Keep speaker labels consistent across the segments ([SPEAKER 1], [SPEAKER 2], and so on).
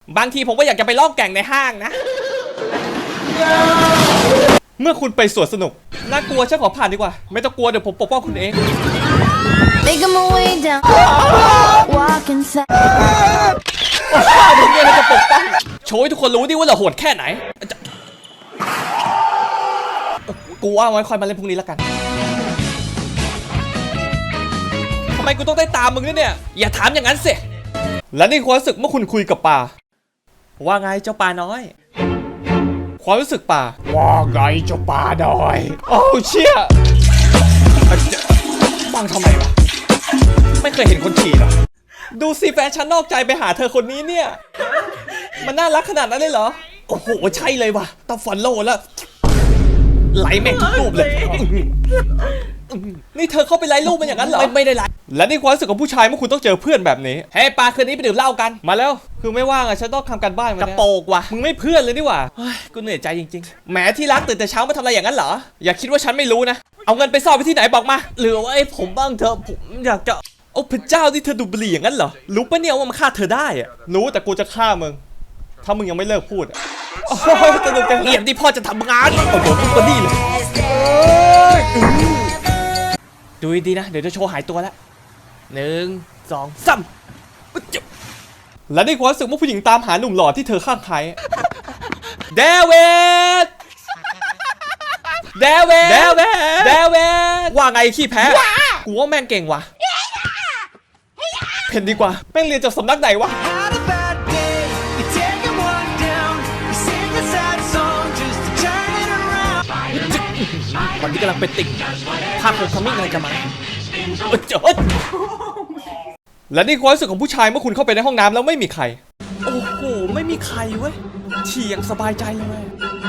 [SPEAKER 1] บางทีผมก็อยากจะไปล่องแก่งในห้างนะเมื่อคุณไปสวนสนุกน่ากลัวฉันขอผ่านดีกว่าไม่ต้องกลัวเดี๋ยวผมปกป้องคุณเอง
[SPEAKER 2] Make my way down, walking fast.
[SPEAKER 1] ถึงเนี่ยเราจะปกป้องโชว์ให้ทุกคนรู้ดิว่าเราโหดแค่ไหนกูว่าไว้คอยมาเล่นพรุ่งนี้แล้วกันทำไมกูต้องได้ตามมึงเนี่ยอย่าถามอย่างนั้นสิและนี่ความรู้สึกเมื่อคุณคุยกับป่าว่าไงเจ้าป่าน้อยความรู้สึกป่าว่าไงเจ้าป่าน้อยโอ้เชี่ยฟังทำไมวะไม่เคยเห็นคนขี่หรอดูสิแฟนฉันนอกใจไปหาเธอคนนี้เนี่ยมันน่ารักขนาดนั้นเลยเหรอโอ้โหใช่เลยว่ะต้องฟอลโล่แล้วไลค์แม่งทุกรูปเลยนี่เธอเข้าไปไลค์รูปมันอย่างนั้นเหรอไม่ได้ไลค์และนี่ความรู้สึกของผู้ชายเมื่อคุณต้องเจอเพื่อนแบบนี้เฮ้ยปาคืนนี้ไปดื่มเหล้ากันมาแล้วคือไม่ว่างอะฉันต้องทำการบ้านกระโปกว่ะมึงไม่เพื่อนเลยนี่หว่ากูเหนื่อยใจจริงๆแหมที่รักตื่นแต่เช้ามาทำอะไรอย่างนั้นเหรออย่าคิดว่าฉันไม่รู้นะเอาเงินไปซ่อนไปที่ไหนบอกมาหรือว่าไอ้ผมบ้างเธอผมอยากจะโอ้พระเจ้าที่เธอดูบุหรี่อย่างนั้นเหรอรู้ปะเนี่ยว่ามันฆ่าเธอได้อะรู้แต่กูจะฆ่ามึงถ้ามึงยังไม่เลิกพูดโอ้ยสนุกจังเงียบที่พ่อจะทำงานโอ้โหมึงก็ดีเลยดูดีนะเดี๋ยวจะโชว์หายตัวแล้ว1 2 3และในความรู้สึกว่าผู้หญิงตามหาหนุ่มหล่อที่เธอข้างใครเดวิดว่าไงขี้แพ้กูว่าแม่งเก่งว่ะเพนดีกว่าแม่งเรียนจากสำนักไหนวะตอนนี้กำลังเป็นติ่งภาคโฮมคัมมิ่งอะไรจะมาและนี่ความรู้สึกของผู้ชายเมื่อคุณเข้าไปในห้องน้ำแล้วไม่มีใครโอ้โหไม่มีใครเว้ยฉี่อย่างสบายใจเลย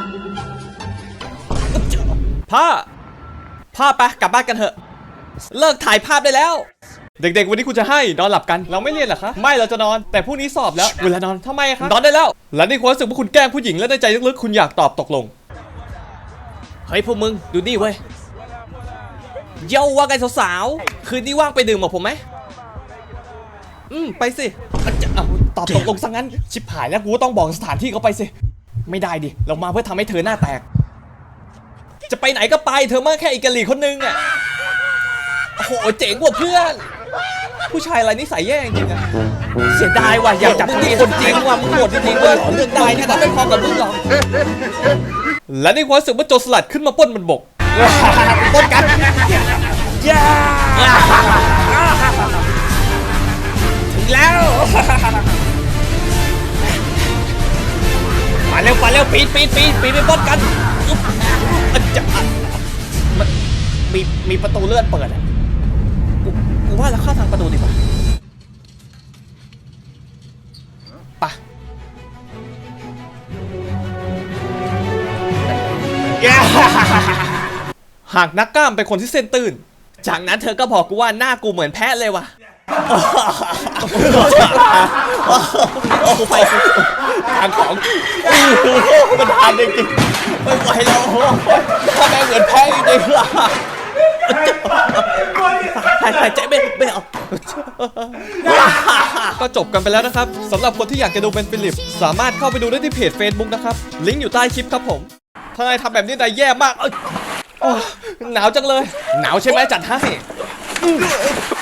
[SPEAKER 1] พ่อไปกลับบ้านกันเถอะเลิกถ่ายภาพได้แล้วเด็กๆวันนี้คุณจะให้นอนหลับกันเราไม่เรียนเหรอคะไม่เราจะนอนแต่พรุ่งนี้สอบแล้วเวลานอนทำไมคะนอนได้แล้วและนี่ความรู้สึกว่าคุณแกล้งผู้หญิงและในใจลึกๆคุณอยากตอบตกลงเฮ้ยพวกมึงดูนี่เว้ยเย้าว่าไงสาวๆคืนนี้ว่างไปดื่มกับผมไหมไปสิตอบตกลงซะงั้นชิบหายแล้วกูต้องบอกสถานที่เขาไปสิไม่ได้ดิเรามาเพื่อทำให้เธอหน้าแตกจะไปไหนก็ไปเธอมาแค่อีกะหรี่คนนึงอ่ะโอ้โหเจ๋งกว่าเพื่อนผู้ชายอะไรนิสัยแย่จริงๆอะเสียดายว่ะอยากจับมึงคนจริงว่ะมึงโหดจริงๆเว้ยเรื่องได้แค่นั้นไม่พอกับมึงหรอกและในความรู้สึกว่าโจรสลัดขึ้นมาปล้นบนบกปล้นกันถึงแล้วมาเร็วปีนไปปล้นกันมีประตูเลื่อนเปิดอ่ะกูว่าเราเข้าทางประตูดีกว่าไปหากนักกล้ามเป็นคนที่เส้นตื้นจากนั้นเธอก็บอกกูว่าหน้ากูเหมือนแพะเลยว่ะโอ้ไปทางของมันทานจริงๆไม่ไหวแล้วถ้าแม่เหมือนแพะจริงๆหายใจไม่ออกก็จบกันไปแล้วนะครับสำหรับคนที่อยากจะดูเป็นฟิลิปสามารถเข้าไปดูได้ที่เพจ Facebook นะครับลิงก์อยู่ใต้คลิปครับผมถ้านายทำแบบนี้นายแย่มากหนาวจังเลยหนาวใช่ไหมจัดให้